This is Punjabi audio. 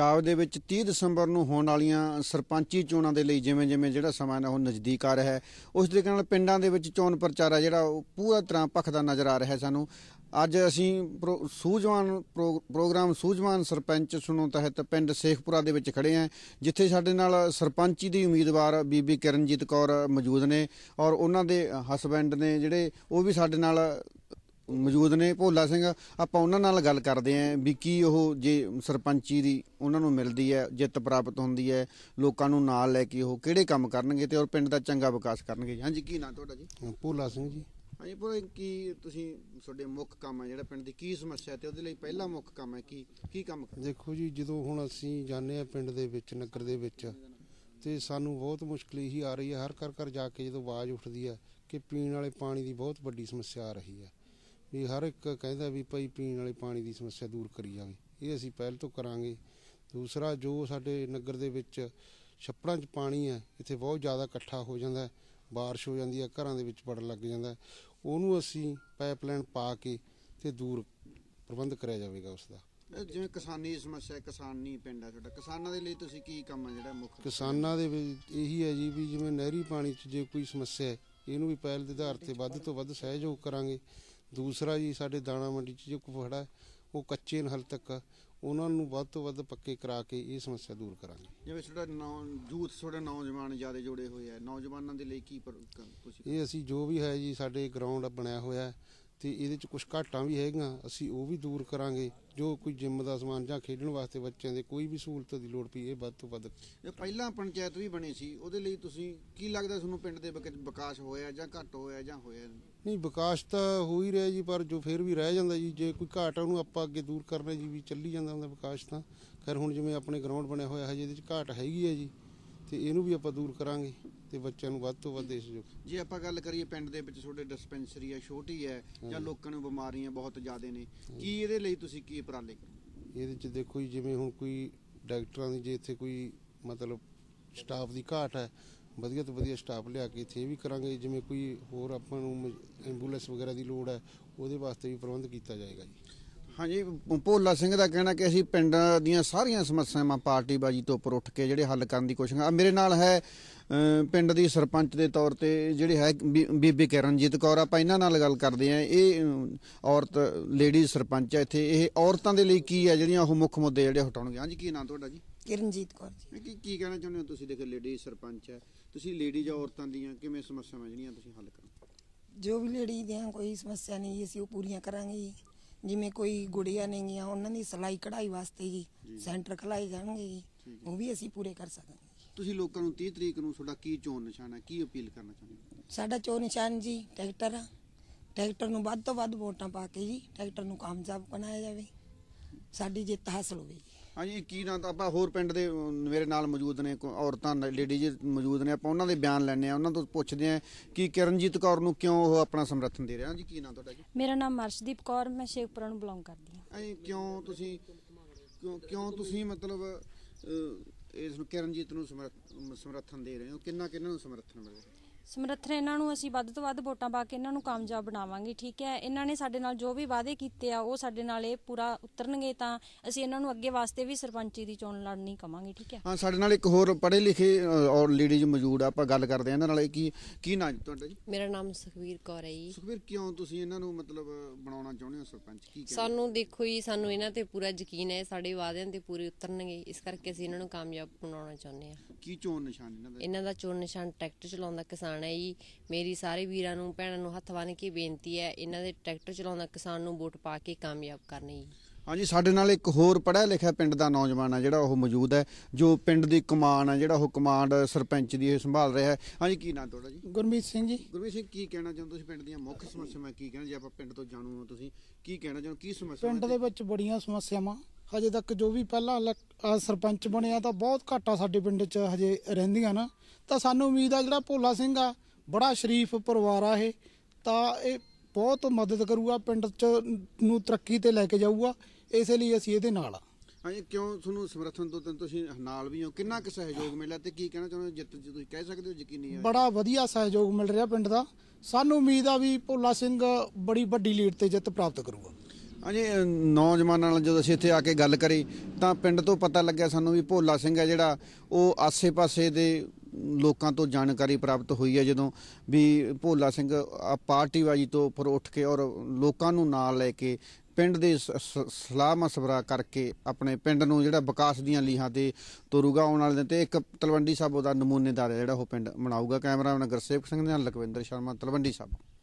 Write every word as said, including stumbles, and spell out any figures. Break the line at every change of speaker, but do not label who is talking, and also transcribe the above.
ਪੰਜਾਬ ਦੇ ਵਿੱਚ ਤੀਹ ਦਸੰਬਰ ਨੂੰ ਹੋਣ ਵਾਲੀਆਂ ਸਰਪੰਚੀ ਚੋਣਾਂ ਦੇ ਲਈ ਜਿਵੇਂ ਜਿਵੇਂ ਜਿਹੜਾ ਸਮਾਂ ਹੈ ਉਹ ਨਜ਼ਦੀਕ ਆ ਰਿਹਾ ਹੈ, ਉਸ ਤਰੀਕੇ ਨਾਲ ਪਿੰਡਾਂ ਦੇ ਵਿੱਚ ਚੋਣ ਪ੍ਰਚਾਰ ਹੈ ਜਿਹੜਾ ਉਹ ਪੂਰਾ ਤਰ੍ਹਾਂ ਭਖਦਾ ਨਜ਼ਰ ਆ ਰਿਹਾ ਸਾਨੂੰ। ਅੱਜ ਅਸੀਂ ਪ੍ਰੋ ਸੂਝਵਾਨ ਪ੍ਰੋ ਪ੍ਰੋਗਰਾਮ ਸੂਝਵਾਨ ਸਰਪੰਚ ਸੁਣੋ ਤਹਿਤ ਪਿੰਡ ਸੇਖਪੁਰਾ ਦੇ ਵਿੱਚ ਖੜ੍ਹੇ ਹਾਂ, ਜਿੱਥੇ ਸਾਡੇ ਨਾਲ ਸਰਪੰਚੀ ਦੀ ਉਮੀਦਵਾਰ ਬੀਬੀ ਕਿਰਨਜੀਤ ਕੌਰ ਮੌਜੂਦ ਨੇ ਔਰ ਉਹਨਾਂ ਦੇ ਹਸਬੈਂਡ ਨੇ ਜਿਹੜੇ ਉਹ ਵੀ ਸਾਡੇ ਨਾਲ ਮੌਜੂਦ ਨੇ, ਭੋਲਾ ਸਿੰਘ। ਆਪਾਂ ਉਹਨਾਂ ਨਾਲ ਗੱਲ ਕਰਦੇ ਹਾਂ ਵੀ ਕੀ ਉਹ ਜੇ ਸਰਪੰਚੀ ਦੀ ਉਹਨਾਂ ਨੂੰ ਮਿਲਦੀ ਹੈ, ਜਿੱਤ ਪ੍ਰਾਪਤ ਹੁੰਦੀ ਹੈ, ਲੋਕਾਂ ਨੂੰ ਨਾਲ ਲੈ ਕੇ ਉਹ ਕਿਹੜੇ ਕੰਮ ਕਰਨਗੇ ਤੇ ਔਰ ਪਿੰਡ ਦਾ ਚੰਗਾ ਵਿਕਾਸ ਕਰਨਗੇ। ਹਾਂਜੀ, ਕੀ ਨਾਂ ਤੁਹਾਡਾ ਜੀ?
ਭੋਲਾ ਸਿੰਘ ਜੀ।
ਹਾਂਜੀ ਭੋਲਾ, ਕੀ ਤੁਸੀਂ ਤੁਹਾਡੇ ਮੁੱਖ ਕੰਮ ਹੈ ਜਿਹੜਾ ਪਿੰਡ ਦੀ ਕੀ ਸਮੱਸਿਆ ਤੇ ਉਹਦੇ ਲਈ ਪਹਿਲਾ ਮੁੱਖ ਕੰਮ ਹੈ ਕੀ ਕੀ ਕੰਮ?
ਦੇਖੋ ਜੀ, ਜਦੋਂ ਹੁਣ ਅਸੀਂ ਜਾਂਦੇ ਹਾਂ ਪਿੰਡ ਦੇ ਵਿੱਚ, ਨਗਰ ਦੇ ਵਿੱਚ, ਤੇ ਸਾਨੂੰ ਬਹੁਤ ਮੁਸ਼ਕਿਲ ਇਹੀ ਆ ਰਹੀ ਹੈ। ਹਰ ਘਰ ਘਰ ਜਾ ਕੇ ਜਦੋਂ ਆਵਾਜ਼ ਉੱਠਦੀ ਹੈ ਕਿ ਪੀਣ ਵਾਲੇ ਪਾਣੀ ਦੀ ਬਹੁਤ ਵੱਡੀ ਸਮੱਸਿਆ ਆ ਰਹੀ ਹੈ, ਵੀ ਹਰ ਇੱਕ ਕਹਿੰਦਾ ਵੀ ਭਾਈ ਪੀਣ ਵਾਲੇ ਪਾਣੀ ਦੀ ਸਮੱਸਿਆ ਦੂਰ ਕਰੀ ਜਾਵੇ। ਇਹ ਅਸੀਂ ਪਹਿਲ ਤੋਂ ਕਰਾਂਗੇ। ਦੂਸਰਾ, ਜੋ ਸਾਡੇ ਨਗਰ ਦੇ ਵਿੱਚ ਛੱਪੜਾਂ 'ਚ ਪਾਣੀ ਹੈ, ਇੱਥੇ ਬਹੁਤ ਜ਼ਿਆਦਾ ਇਕੱਠਾ ਹੋ ਜਾਂਦਾ, ਬਾਰਿਸ਼ ਹੋ ਜਾਂਦੀ ਹੈ, ਘਰਾਂ ਦੇ ਵਿੱਚ ਵੜਨ ਲੱਗ ਜਾਂਦਾ, ਉਹਨੂੰ ਅਸੀਂ ਪਾਈਪਲਾਈਨ ਪਾ ਕੇ ਤੇ ਦੂਰ ਪ੍ਰਬੰਧ ਕਰਿਆ ਜਾਵੇਗਾ ਉਸ ਦਾ।
ਜਿਵੇਂ ਕਿਸਾਨੀ ਦੀ ਸਮੱਸਿਆ, ਕਿਸਾਨੀ ਪਿੰਡ ਹੈ ਤੁਹਾਡਾ, ਕਿਸਾਨਾਂ ਦੇ ਲਈ ਤੁਸੀਂ ਕੀ ਕੰਮ ਹੈ ਜਿਹੜਾ ਮੁੱਖ?
ਕਿਸਾਨਾਂ ਦੇ ਵਿੱਚ ਇਹੀ ਹੈ ਜੀ ਵੀ ਜਿਵੇਂ ਨਹਿਰੀ ਪਾਣੀ 'ਚ ਜੇ ਕੋਈ ਸਮੱਸਿਆ ਹੈ, ਇਹਨੂੰ ਵੀ ਪਹਿਲ ਦੇ ਆਧਾਰ 'ਤੇ ਵੱਧ ਤੋਂ ਵੱਧ ਸਹਿਯੋਗ ਕਰਾਂਗੇ। ਦੂਸਰਾ ਜੀ, ਸਾਡੇ ਦਾਣਾ ਮੰਡੀ 'ਚ ਜੋ ਕੁਫੜਾ ਹੈ ਉਹ ਕੱਚੇ ਨੇ ਹਾਲੇ ਤੱਕ, ਉਹਨਾਂ ਨੂੰ ਵੱਧ ਤੋਂ ਵੱਧ ਪੱਕੇ ਕਰਾ ਕੇ ਇਹ ਸਮੱਸਿਆ ਦੂਰ ਕਰਾਂਗੇ।
ਜਿਵੇਂ ਤੁਹਾਡਾ ਨੌ ਯੂਥ ਤੁਹਾਡੇ ਨੌਜਵਾਨ ਜ਼ਿਆਦਾ ਜੁੜੇ ਹੋਏ ਆ, ਨੌਜਵਾਨਾਂ ਦੇ ਲਈ ਕੀ ਤੁਸੀਂ?
ਇਹ ਅਸੀਂ ਜੋ ਵੀ ਹੈ ਜੀ, ਸਾਡੇ ਗਰਾਊਂਡ ਬਣਿਆ ਹੋਇਆ ਤੇ ਇਹਦੇ 'ਚ ਕੁਛ ਘਾਟਾਂ ਵੀ ਹੈਗੀਆਂ, ਅਸੀਂ ਉਹ ਵੀ ਦੂਰ ਕਰਾਂਗੇ। ਜੋ ਕੋਈ ਜਿੰਮ ਦਾ ਸਮਾਨ ਜਾਂ ਖੇਡਣ ਵਾਸਤੇ ਬੱਚਿਆਂ ਦੇ ਕੋਈ ਵੀ ਸਹੂਲਤ ਦੀ ਲੋੜ ਪਈ, ਇਹ ਵੱਧ ਤੋਂ ਵੱਧ।
ਪਹਿਲਾਂ ਪੰਚਾਇਤ ਵੀ ਬਣੀ ਸੀ, ਉਹਦੇ ਲਈ ਤੁਸੀਂ ਕੀ ਲੱਗਦਾ ਤੁਹਾਨੂੰ ਪਿੰਡ ਦੇ ਵਿਕਾਸ ਹੋਇਆ ਜਾਂ ਘੱਟ ਹੋਇਆ ਜਾਂ ਹੋਇਆ?
ਨਹੀਂ, ਵਿਕਾਸ ਤਾਂ ਹੋ ਹੀ ਰਿਹਾ ਜੀ, ਪਰ ਜੋ ਫਿਰ ਵੀ ਰਹਿ ਜਾਂਦਾ ਜੀ, ਜੇ ਕੋਈ ਘਾਟ ਉਹਨੂੰ ਆਪਾਂ ਅੱਗੇ ਦੂਰ ਕਰਨਾ ਜੀ, ਵੀ ਚੱਲੀ ਜਾਂਦਾ ਹੁੰਦਾ ਵਿਕਾਸ ਤਾਂ। ਖੈਰ ਹੁਣ ਜਿਵੇਂ ਆਪਣੇ ਗਰਾਊਂਡ ਬਣਿਆ ਹੋਇਆ ਹਜੇ ਇਹਦੇ 'ਚ ਘਾਟ ਹੈਗੀ ਹੈ ਜੀ, ਤੇ ਇਹਨੂੰ ਵੀ ਆਪਾਂ ਦੂਰ ਕਰਾਂਗੇ ਤੇ ਬੱਚਿਆਂ ਨੂੰ ਵੱਧ ਤੋਂ ਵੱਧ ਇਸ ਜੋ।
ਜੇ ਆਪਾਂ ਗੱਲ ਕਰੀਏ ਪਿੰਡ ਦੇ ਵਿੱਚ ਤੁਹਾਡੇ ਡਿਸਪੈਂਸਰੀ ਹੈ, ਛੋਟੀ ਹੈ ਜਾਂ ਲੋਕਾਂ ਨੂੰ ਬਿਮਾਰੀਆਂ ਬਹੁਤ ਜ਼ਿਆਦਾ ਨੇ, ਕੀ ਇਹਦੇ ਲਈ ਤੁਸੀਂ ਕੀ ਉਪਰਾਲੇ ਕਰੋ?
ਇਹਦੇ 'ਚ ਦੇਖੋ ਜੀ, ਜਿਵੇਂ ਹੁਣ ਕੋਈ ਡਾਕਟਰਾਂ ਦੀ ਜੇ ਇੱਥੇ ਕੋਈ ਮਤਲਬ ਸਟਾਫ ਦੀ ਘਾਟ ਹੈ, ਵਧੀਆ ਤੋਂ ਵਧੀਆ ਸਟਾਫ ਲਿਆ ਕੇ ਇੱਥੇ ਇਹ ਵੀ ਕਰਾਂਗੇ। ਜਿਵੇਂ ਕੋਈ ਹੋਰ ਆਪਾਂ ਨੂੰ ਐਂਬੂਲੈਂਸ ਵਗੈਰਾ ਦੀ ਲੋੜ ਹੈ, ਉਹਦੇ ਵਾਸਤੇ ਵੀ ਪ੍ਰਬੰਧ ਕੀਤਾ ਜਾਏਗਾ ਜੀ।
ਹਾਂਜੀ, ਭੋਲਾ ਸਿੰਘ ਦਾ ਕਹਿਣਾ ਕਿ ਅਸੀਂ ਪਿੰਡ ਦੀਆਂ ਸਾਰੀਆਂ ਸਮੱਸਿਆਵਾਂ ਪਾਰਟੀਬਾਜ਼ੀ ਤੋਂ ਉੱਪਰ ਉੱਠ ਕੇ ਜਿਹੜੇ ਹੱਲ ਕਰਨ ਦੀ ਕੋਸ਼ਿਸ਼। ਮੇਰੇ ਨਾਲ ਹੈ ਪਿੰਡ ਦੀ ਸਰਪੰਚ ਦੇ ਤੌਰ ਤੇ ਜਿਹੜੇ ਹੈ ਬੀਬੀ ਕਿਰਨਜੀਤ ਕੌਰ। ਆਪਾਂ ਇਹਨਾਂ ਨਾਲ ਗੱਲ ਕਰਦੇ ਹਾਂ। ਇਹ ਔਰਤ ਲੇਡੀ ਸਰਪੰਚ ਹੈ ਇੱਥੇ। ਇਹ ਔਰਤਾਂ ਦੇ ਲਈ ਕੀ ਹੈ ਜਿਹੜੀਆਂ ਉਹ ਮੁੱਖ ਮੁੱਦੇ ਜਿਹੜੇ ਹਟਾਉਣਗੇ? ਹਾਂਜੀ, ਕੀ ਨਾਂ ਤੁਹਾਡਾ ਜੀ?
ਕਿਰਨਜੀਤ ਕੌਰ ਜੀ।
ਕੀ ਕੀ ਕਹਿਣਾ ਚਾਹੁੰਦੇ ਹੋ ਤੁਸੀਂ? ਦੇਖੋ ਲੇਡੀ ਸਰਪੰਚ ਹੈ ਤੁਸੀਂ, ਲੇਡੀ ਜਾਂ ਔਰਤਾਂ ਦੀਆਂ ਕਿਵੇਂ ਸਮੱਸਿਆਵਾਂ ਜਿਹੜੀਆਂ ਤੁਸੀਂ ਹੱਲ ਕਰੋ?
ਜੋ ਵੀ ਲੇਡੀ ਦੀਆਂ ਕੋਈ ਸਮੱਸਿਆ ਨਹੀਂ ਅਸੀਂ ਉਹ ਪੂਰੀਆਂ ਕਰਾਂਗੇ ਜੀ। ਜਿਵੇਂ ਕੋਈ ਗੁੜੀਆਂ ਨੇਗੀਆਂ, ਉਹਨਾਂ ਦੀ ਸਿਲਾਈ ਕਢਾਈ ਵਾਸਤੇ ਜੀ ਸੈਂਟਰ ਖੁਲਾਏ ਜਾਣਗੇ ਜੀ, ਉਹ ਵੀ ਅਸੀਂ ਪੂਰੇ ਕਰ ਸਕਾਂਗੇ।
ਤੁਸੀਂ ਲੋਕਾਂ ਨੂੰ ਤੀਹ ਤਰੀਕ ਨੂੰ ਤੁਹਾਡਾ ਕੀ ਚੋਣ ਨਿਸ਼ਾਨ ਹੈ, ਕੀ ਅਪੀਲ ਕਰਨਾ ਚਾਹੁੰਦੇ ਹੋ?
ਸਾਡਾ ਚੋਣ ਨਿਸ਼ਾਨ ਜੀ ਟਰੈਕਟਰ ਆ। ਟਰੈਕਟਰ ਨੂੰ ਵੱਧ ਤੋਂ ਵੱਧ ਵੋਟਾਂ ਪਾ ਕੇ ਜੀ ਟਰੈਕਟਰ ਨੂੰ ਕਾਮਯਾਬ ਬਣਾਇਆ ਜਾਵੇ, ਸਾਡੀ ਜਿੱਤ ਹਾਸਲ ਹੋਵੇ ਜੀ। ਹਾਂਜੀ,
ਕੀ ਨਾਂ? ਤਾਂ ਆਪਾਂ ਹੋਰ ਪਿੰਡ ਦੇ ਮੇਰੇ ਨਾਲ ਮੌਜੂਦ ਨੇ ਔਰਤਾਂ ਲੇਡੀਜ਼ ਮੌਜੂਦ ਨੇ, ਆਪਾਂ ਉਹਨਾਂ ਦੇ ਬਿਆਨ ਲੈਣੇ ਆ, ਉਹਨਾਂ ਤੋਂ ਪੁੱਛਦੇ ਆ ਕਿ ਕਿਰਨਜੀਤ ਕੌਰ ਨੂੰ ਕਿਉਂ ਉਹ ਆਪਣਾ ਸਮਰਥਨ ਦੇ ਰਿਹਾ। ਜੀ, ਕੀ ਨਾਂ ਤੁਹਾਡਾ ਜੀ?
ਮੇਰਾ ਨਾਮ ਅਰਸ਼ਦੀਪ ਕੌਰ, ਮੈਂ ਸ਼ੇਖਪੁਰਾ ਨੂੰ ਬਿਲੋਂਗ ਕਰਦੀ ਹਾਂ।
ਐਂ ਕਿਉਂ ਤੁਸੀਂ ਕਿਉਂ ਕਿਉਂ ਤੁਸੀਂ ਮਤਲਬ ਇਸ ਨੂੰ ਕਿਰਨਜੀਤ ਨੂੰ ਸਮਰਥਨ ਦੇ ਰਹੇ ਹੋ? ਕਿੰਨਾ ਕਿੰਨਾ ਨੂੰ ਸਮਰਥਨ ਮਿਲ ਰਿਹਾ?
ਸਮਰਥਨ ਇਹਨਾਂ ਨੂੰ ਅਸੀਂ ਵੱਧ ਤੋਂ ਵੱਧ ਵੋਟਾਂ ਪਾ ਕੇ ਇਹਨਾਂ ਨੂੰ ਕਾਮਯਾਬ ਬਣਾਵਾਂਗੇ। ਠੀਕ ਹੈ, ਇਹਨਾਂ ਨੇ ਸਾਡੇ ਨਾਲ ਜੋ ਵੀ ਵਾਅਦੇ ਕੀਤੇ ਆ ਉਹ ਸਾਡੇ ਨਾਲ ਇਹ ਪੂਰਾ ਉਤਰਨਗੇ ਤਾਂ ਅਸੀਂ ਇਹਨਾਂ ਨੂੰ ਅੱਗੇ ਵਾਸਤੇ ਵੀ ਸਰਪੰਚੀ ਦੀ ਚੋਣ ਲੜਨੀ ਕਵਾਂਗੇ। ਠੀਕ ਹੈ।
ਹਾਂ, ਸਾਡੇ ਨਾਲ ਇੱਕ ਹੋਰ ਪੜ੍ਹੇ ਲਿਖੇ ਔਰ ਲੇਡੀਜ਼ ਮੌਜੂਦ ਆ, ਆਪਾਂ ਗੱਲ ਕਰਦੇ ਆ ਇਹਨਾਂ ਨਾਲ। ਕੀ ਕੀ ਨਾਂ ਤੁਹਾਡਾ ਜੀ?
ਮੇਰਾ ਨਾਮ ਸੁਖਵੀਰ ਕੌਰ ਹੈ ਜੀ।
ਸੁਖਵੀਰ, ਕਿਉਂ ਤੁਸੀਂ ਇਹਨਾਂ ਨੂੰ ਮਤਲਬ ਬਣਾਉਣਾ ਚਾਹੁੰਦੇ ਹੋ ਸਰਪੰਚ? ਕੀ
ਸਾਨੂੰ ਦੇਖੋ ਜੀ, ਸਾਨੂੰ ਇਹਨਾਂ ਤੇ ਪੂਰਾ ਯਕੀਨ ਹੈ, ਸਾਡੇ ਵਾਅਦਿਆਂ ਤੇ ਪੂਰੇ ਉਤਰਨਗੇ, ਇਸ ਕਰਕੇ ਅਸੀਂ ਇਹਨਾਂ ਨੂੰ ਕਾਮਯਾਬ ਬਣਾਉਣਾ ਚਾਹੁੰਦੇ ਹਾਂ।
ਕੀ ਚੋਣ ਨਿਸ਼ਾਨ ਇਹਨਾਂ ਦਾ?
ਇਹਨਾਂ ਦਾ ਚੋਣ ਨਿਸ਼ਾਨ ਟਰੈਕਟਰ ਚਲਾਉਂਦਾ ਕਿਸਾਨ ਹੈ ਜੀ। ਮੇਰੀ ਸਾਰੇ ਵੀਰਾਂ ਨੂੰ ਭੈਣਾਂ ਨੂੰ ਹੱਥ ਬੰਨ੍ਹ ਕੇ ਬੇਨਤੀ ਹੈ, ਇਹਨਾਂ ਦੇ ਟਰੈਕਟਰ ਚਲਾਉਂਦਾ ਕਿਸਾਨ ਨੂੰ ਵੋਟ ਪਾ ਕੇ ਕਾਮਯਾਬ ਕਰਨੀ ਜੀ।
ਹਾਂਜੀ, ਸਾਡੇ ਨਾਲ ਇੱਕ ਹੋਰ ਪੜ੍ਹਿਆ ਲਿਖਿਆ ਪਿੰਡ ਦਾ ਨੌਜਵਾਨ ਹੈ ਜਿਹੜਾ ਉਹ ਮੌਜੂਦ ਹੈ, ਜੋ ਪਿੰਡ ਦੀ ਕਮਾਨ ਹੈ ਜਿਹੜਾ ਉਹ ਕਮਾਂਡ ਸਰਪੰਚ ਦੀ ਇਹ ਸੰਭਾਲ ਰਿਹਾ ਹੈ। ਹਾਂਜੀ, ਕੀ ਨਾਂ ਤੁਹਾਡਾ ਜੀ?
ਗੁਰਮੀਤ ਸਿੰਘ ਜੀ।
ਗੁਰਮੀਤ ਸਿੰਘ, ਕੀ ਕਹਿਣਾ ਚਾਹੁੰਦੇ ਤੁਸੀਂ ਪਿੰਡ ਦੀਆਂ ਮੁੱਖ ਸਮੱਸਿਆਵਾਂ ਕੀ ਕਹਿਣਾ? ਜੇ ਆਪਾਂ ਪਿੰਡ ਤੋਂ ਜਾਣੂ ਹੋ, ਤੁਸੀਂ ਕੀ ਕਹਿਣਾ ਚਾਹੁੰਦੇ? ਕੀ ਸਮੱਸਿਆ
ਪਿੰਡ ਦੇ ਵਿੱਚ ਬੜੀਆਂ ਸਮੱਸਿਆਵਾਂ ਹਜੇ ਤੱਕ ਜੋ ਵੀ ਪਹਿਲਾਂ ਸਰਪੰਚ ਬਣਿਆ ਤਾਂ ਬਹੁਤ ਘੱਟ ਆ ਸਾਡੇ ਪਿੰਡ 'ਚ ਹਜੇ ਰਹਿੰਦੀਆਂ ਨਾ, ਤਾਂ ਸਾਨੂੰ ਉਮੀਦ ਆ ਜਿਹੜਾ ਭੋਲਾ ਸਿੰਘ ਆ ਬੜਾ ਸ਼ਰੀਫ ਪਰਿਵਾਰ ਆ ਇਹ, ਤਾਂ ਇਹ ਬਹੁਤ ਮਦਦ ਕਰੂਗਾ, ਪਿੰਡ 'ਚ ਨੂੰ ਤਰੱਕੀ ਤੇ ਲੈ ਕੇ ਜਾਊਗਾ, ਇਸੇ ਲਈ ਅਸੀਂ ਇਹਦੇ ਨਾਲ ਆ।
ਹਾਂਜੀ, ਕਿਉਂ ਤੁਹਾਨੂੰ ਸਮਰਥਨ ਤੋਂ ਤੁਸੀਂ ਨਾਲ ਵੀ ਹੋ? ਕਿੰਨਾ ਕੁ ਸਹਿਯੋਗ ਮਿਲਿਆ ਤੇ ਕੀ ਕਹਿਣਾ ਚਾਹੁੰਦੇ? ਜਿੱਤ ਤੁਸੀਂ ਕਹਿ ਸਕਦੇ ਹੋ ਯਕੀਨੀ ਹੈ?
ਬੜਾ ਵਧੀਆ ਸਹਿਯੋਗ ਮਿਲ ਰਿਹਾ ਪਿੰਡ ਦਾ। ਸਾਨੂੰ ਉਮੀਦ ਆ ਵੀ ਭੋਲਾ ਸਿੰਘ ਬੜੀ ਵੱਡੀ ਲੀਡ ਤੇ ਜਿੱਤ ਪ੍ਰਾਪਤ ਕਰੂਗਾ।
ਹਾਂਜੀ ਅ, ਨੌਜਵਾਨਾਂ ਨਾਲ ਜਦੋਂ ਅਸੀਂ ਇੱਥੇ ਆ ਕੇ ਗੱਲ ਕਰੀ ਤਾਂ ਪਿੰਡ ਤੋਂ ਪਤਾ ਲੱਗਿਆ ਸਾਨੂੰ ਵੀ ਭੋਲਾ ਸਿੰਘ ਹੈ ਜਿਹੜਾ ਉਹ ਆਸੇ-ਪਾਸੇ ਦੇ ਲੋਕਾਂ ਤੋਂ ਜਾਣਕਾਰੀ ਪ੍ਰਾਪਤ ਹੋਈ ਹੈ ਜਦੋਂ ਵੀ ਭੋਲਾ ਸਿੰਘ ਆ ਪਾਰਟੀਬਾਜ਼ੀ ਤੋਂ ਉੱਪਰ ਉੱਠ ਕੇ ਔਰ ਲੋਕਾਂ ਨੂੰ ਨਾਲ ਲੈ ਕੇ ਪਿੰਡ ਦੇ ਸ- ਸ- ਸਲਾਹ ਮਸ਼ਵਰਾ ਕਰਕੇ ਆਪਣੇ ਪਿੰਡ ਨੂੰ ਜਿਹੜਾ ਵਿਕਾਸ ਦੀਆਂ ਲੀਹਾਂ ਤੇ ਤੋਰੂਗਾ ਆਉਣ ਵਾਲੇ ਦਿਨ ਤੇ ਇੱਕ ਤਲਵੰਡੀ ਸਾਬੋ ਦਾ ਨਮੂਨੇਦਾਰ ਹੈ ਜਿਹੜਾ ਉਹ ਪਿੰਡ ਬਣਾਊਗਾ। ਕੈਮਰਾਮੈਨ ਗੁਰਸੇਵਕ ਸਿੰਘ ਦੇ ਨਾਲ ਲਖਵਿੰਦਰ ਸ਼ਰਮਾ, ਤਲਵੰਡੀ ਸਾਬੋ।